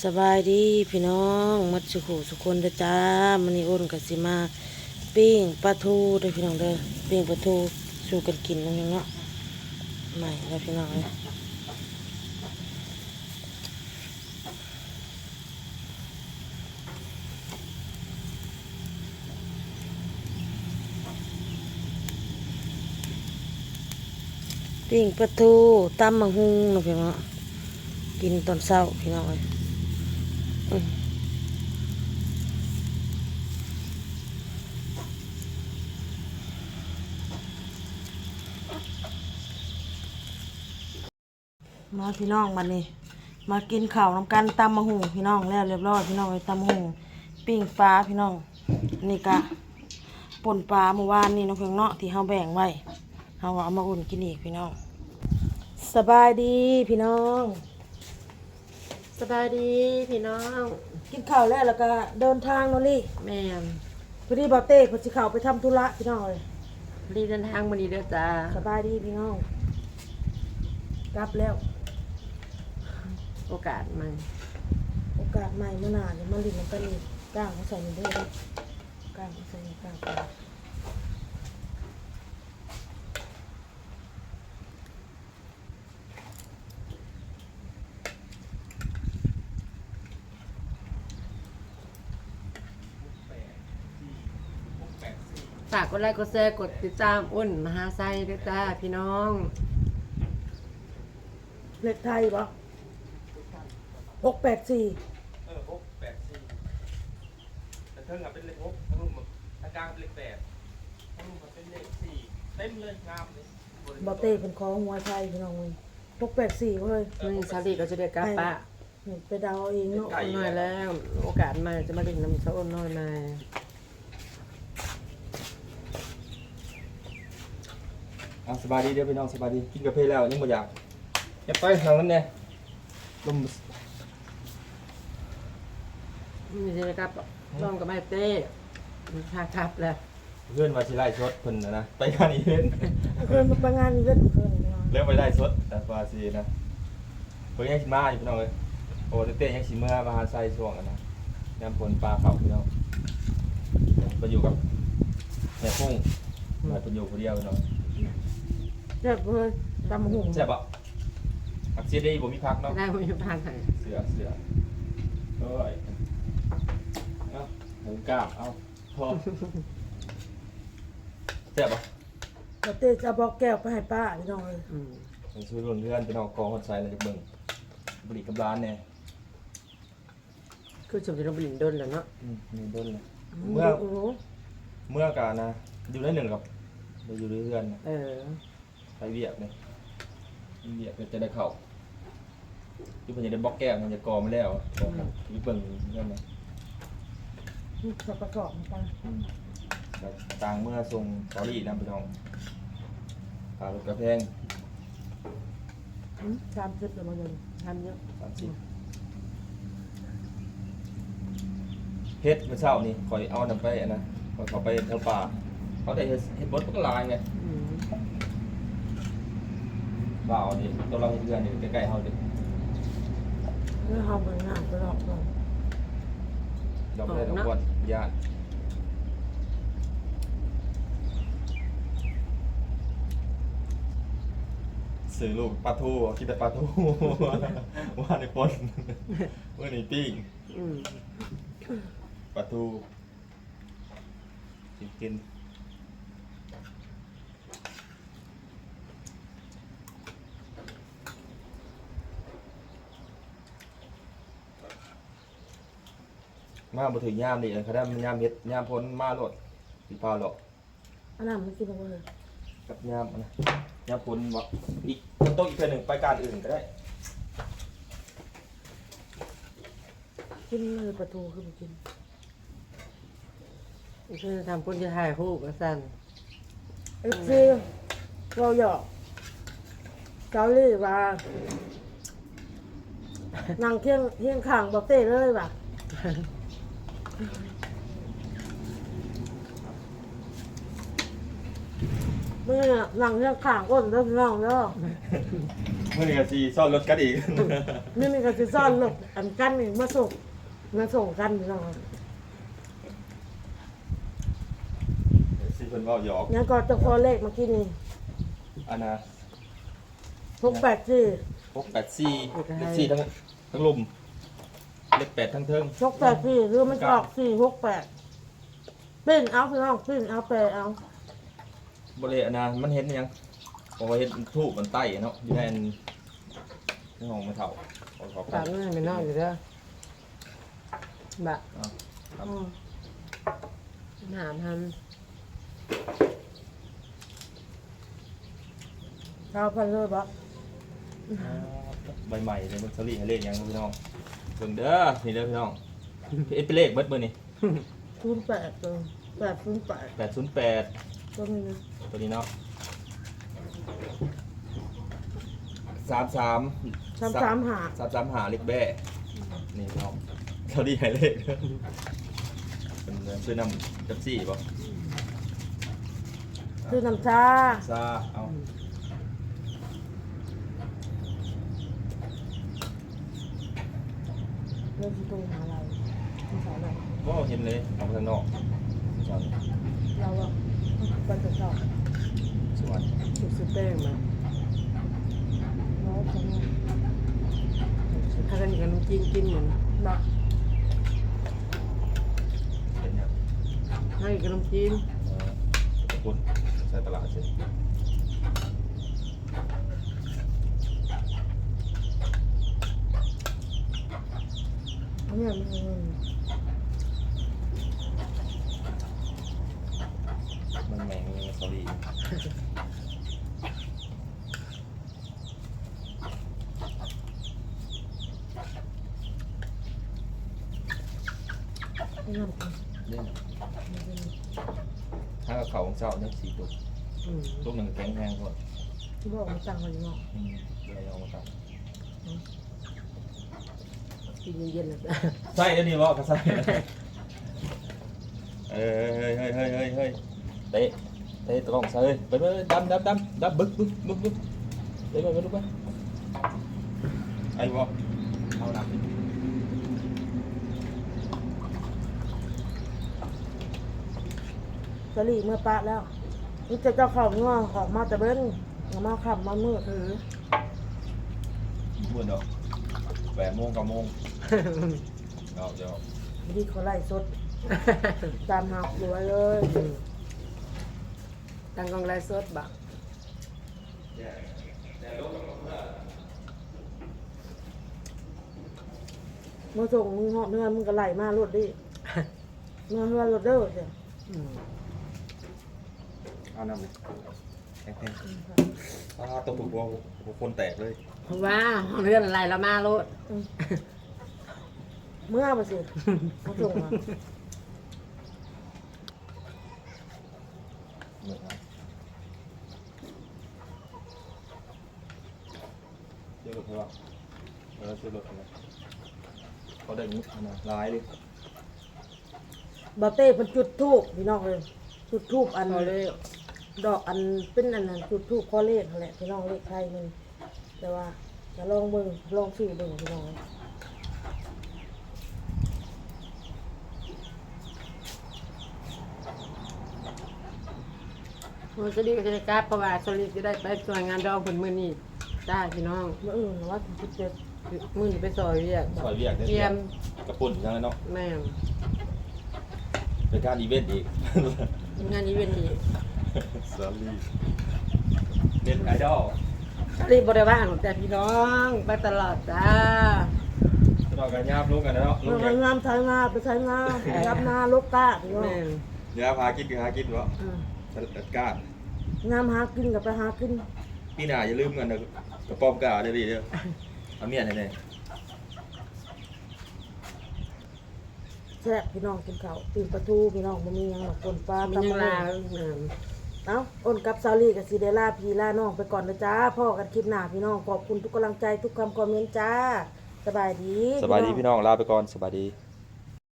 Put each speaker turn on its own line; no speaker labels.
สบายดีพี่น้องมัดสุขุสุคนเด้อจ้ามันนี่อ้นกับสิมาปิ้งปลาทูเด้อพี่น้องเด้อปิ้งปลาทูสู่กันกินนั่นเองเนาะใหม่แล้วพี่น้องเลยปิ้งปลาทูตำมะฮุงเนาะพี่น้องกินตอนเช้าพี่น้องเลยมาพี่น้องบัดนี้มากินข้าวน้ำกันตำมะฮุงพี่น้องแล้วเรียบร้อยพี่น้องเลยตำมะฮุงปิ้งปลาพี่น้องนี่กะป่นปลาเมื่อวานนี่น้องเพียงเนาะที่เฮาแบ่งไว้เฮาเอามาอุ่นกินอีกพี่น้องสบายดีพี่น้องสบายดีพี่น้องกินข้าวแล้วก็เดินทางเนาะลี่
แม่
พอดีบ่าวเต้เพิ่นสิเข้าไปทำธุระพี่น้องเลย
รีเดินทางมาดีเด้อจ้า
สบายดีพี่น้องกลับแล้ว
โอกาสใหม่
โอกาสใหม่เมื่อนานมาลิ้นน้ำกันอีกก้างเขาใส่นี่ด้วยก้างเขาใส่นี่ก้าง
ฝากกดไลค์กดแชร์กดติดตามอ้นมหาไซด้วยจ้าพี่น้อง
เล็กไทยปะ684
684แต่เทิงเป็นเลข6ทั้งรุ่มทางกลางเป็นเลข8ทั้งรุ่มเป็นเลข4เต็มเลยงามเลย
บ่าวเต้เป็นของหัวไทยพี่น้องเลย684เว้ย
มันสาลีก็จะได้กลับปะ
ไปเดาเองเนาะ
หน่อยแล้วโอกาสใหม่จะมาเล่นน้ำเช้าอ้นน้อยมา
สบายดีเด้อพี่น้องสบายดีกินกาแฟแล้วยังบ่อยากอย่าไปทางนั้นเนี่ยลม
มีจะได้กลับน้องกับแม่เต้ทางกลับแล้ว
เพื่อนมาสิไล่ชดเพิ่นนะไปงานอีเวนต์
เคยมาไปงานอีเวนต์เคยพี่น้อง
เริ่มไปไล่ชดแต่ว่าสินะเพิ่นยังสิมาอยู่พี่น้องเอ้ยโอ้เต้ยังสิเมื่อมาหาไซช่วงนะน้ำฝนปลาเข้าพี่น้องมาอยู่กับแม่พุ่งมาเพิ่นอยู่คนเดียวพี่น้อง
เจ็บเลยตำหุ่ง
แซ่บบ่อักเสบได้บ่มีพักเนาะ
ได้ไม่มีพันไหน
เสือเอ้ยเอาหมูกราบเอาพอแซ่บปะ
บ่าวเต้จะบอกแก้วไปให้ป้าพี่น้องเลย
มันช่วยรุ่นเพื่อนเป็นออกกองคนใส่เลยเบิ่งบริกับร้านเนี่ย
คือสมจิตเราบลินดนแล้วเนาะ
มีด้นเลยเมื่อกานะอยู่ได้หนึ่งกับอยู่ด้วยเพื่อนไปเวียกเนี่ยเวียกจะได้เข่าที่เพิ่นจะได้บล็อกแก้วมันจะกอมาแล้ววิเบิ่งเรื่องนี้
ประกอบไป
ต่างเมื่อทรงสอรี่นำไปทองปลาลูกกระแพง
30แล้วมันยัง
ทำเยอะ
30เฮ็ดเมื่อเช้านี่คอยเอานำไปนะเขาไปแถวป่าเขาได้เฮ็ดบดก็ลายไงบ่าวนี่ตัวเราเพื่อนนี่ใกล้ๆเฮาดิ
เมื่อเฮามันงานไปหลอกก่อน
ดอกได้ดอกบดญาติสื่อลูกปลาทูคิดแต่ปลาทูว่าในปนเมื่อนี้ปิ้งปลาทูกินมาบ่ถึงยามนี่เขาได้ยามเฮ็ดยามพ้นมาโลดสิพาหรอก
อันนั้นมันกินบ่เลย
กับยามนะยามพ้นบ่อีกโต๊ะอีกเทื่อนึงไปการอื่นก็ได้
กินเลยปลาทูคือบ่กิน
คือทำพุ่นจะถ่ายรูปกันสั่น
คือเราหยอกเกาหลีว่านั่งเที่ยงข้างบ่าวเต้เลยว่ะเมื่อหลังเรื่องข่างก้นเริ่มน้องแล้ว
เมื่อนี้ก็สิซ่อนรถกันอีก
นี่มีก็สิซ่อนรถอันกันนี่มาส่งกันพี่น้อง
สิเพิ่นเว้าหยอก
งั้นก็จะขอเลขเมื่อกี้นี่
อันน่ะ
684
684เลข4ทั้งลุมเลข8ทั้งเทิง
684หรือมันจะออก468ปิ้นเอาพี่น้องปิ้นเอาแปลเอา
บ่ได้อันน่ะมันเห็นหยังเพราะว่าเห็นทูบมันใต้เนาะอยู่ในอันในห้องไม่เฒ่าขอ
ฝากเงินไปนอกอยู่เด้อบ่
ครับ
ถามท
เราพันเลยบ่
ใบใหม่เลยมันสลีให้เลขหยังพี่น้องเบิ่งเด้อนี่เด้อพี่น้องเป็นเลขเบิดมื้อนี่
08ตัว808
808
ตัวนี้นะ
ตัวนี้เนาะ33 หาเลขแบ่นี่เนาะเขาดีให้เลขเป็นซื้อนำจับซี่ป่ะ
คือน้ำชา
ซาเอา
เรื่องที่ตรงหาเราไม่ใช่อะไร
ก็เห็นเลยออกมาทางนอกสวน
เราอะไปจะชอบ
สวน
ำสุดสุดแป้งมา
เราจะมี
ถ้ากันกับน้ำจิ้มกินเหมือน
เนาะ
เป็นยัง
ให้กับน้ำจิ้ม
ขอบคุณใช้ตลาดเช่น
อันนี้มัน
มันแมงมันสลี
ไม่ทำกัน
เนี่ยถ้ากับเขาของเจ้าเนี่ย4 ตัว
อืม
ลูกหนึ่งแข็งแรงกว่า
ที่บอกมันตังค์มันเนาะ
เลยเอามาตัด
กินเย็นๆเลย
ใส่ได้ดีวะก็ใส่เฮ้ยเตะตรงใส่ไปดำบึกเตะไปลูกไปไอ้วะเอาหนัก
สลีเมื่อปะแล้วนี่จะเจ้าของงัวออกมาแต่เบิ้งมาขับมามืด
พูดเนาะ8 โมง 9 โมงเดี๋ยว
ดีเขาไล่สดตามหาหัวเลย
ตั้งกองไลฟ์สดบ่
มาส่งมึงเหาะเนื้อมึงก็ไล่มารถดิเนื้อเฮือรถเด้อเจ้ะ
อืม
เอาน้ำเลยแข็งตัวถูกว่าคนแตกเลย
เพราะว่าเรื่องอะไรละมาโลด
เมื่อมาสิมาส่งมา
เหมือนกันเชื่อรถใช่ป่ะเชื่อรถนะเขาได้งี้นะร้ายเลย
บาเต้เป็นจุดทูบพี่น้องเลยจุดทูบอัน
พอเลย
ดอกอันเป็นอันนั้นจุดทูบข้อเลขนั่นแหละพี่น้องเลขไทยมันแต่ว่าจะลองเบิ่งลองซื้อเบิ่งพี่น้อง
มันจะดีก็จะได้กราบเพราะว่าโซลิจะได้ไปช่วยงานดองผลมือนี่จ้าพี่น้อง
เมื่ออื่นว่าถึง17
มือนี่ไปซอยเรียก
ซอยเวียก
เตรียม
กระปุ่นยังไงเนาะ
แม่ง
เป็นการอีเวนต์อีก
งานนี้เป็นอีก
สาลีเน็ตไอดอล
รีบบริวารแต่พี่น้องไปตลอดจ้า
จะต่อกันยาบลูกกันนะเนาะลู
เมื่
ก
อ
เนี่ย
งามใช้งาไปใช้งารับนาลกกาพี่น้อง
แม่ง
เดี๋ยวพากินวะ
อืม
จัดการ
งามหากินกับไปหากิน
พี่หน่าอย่าลืมกันนะกระป๋อมกาเดี๋ยวดีเด้อเอาเมียไหน
แซ่บพี่น้องกินข้าวตีนปลาทูพี่น้องบ่มีหยังหรอกคนปลา
มัน
ตำ
ยัง
มะ
ลา
ม่วง
แม่ง
เอ้าอ้นกับซาลี่กับซีเดล่าพี่ล่าน้องไปก่อนนะจ้าพ่อกันคลิปหน้าพี่น้องขอบคุณทุกกำลังใจทุกคำคอมเมนต์จ้าสบายดี
สบายดีพี่น้องลาไปก่อนสบายดี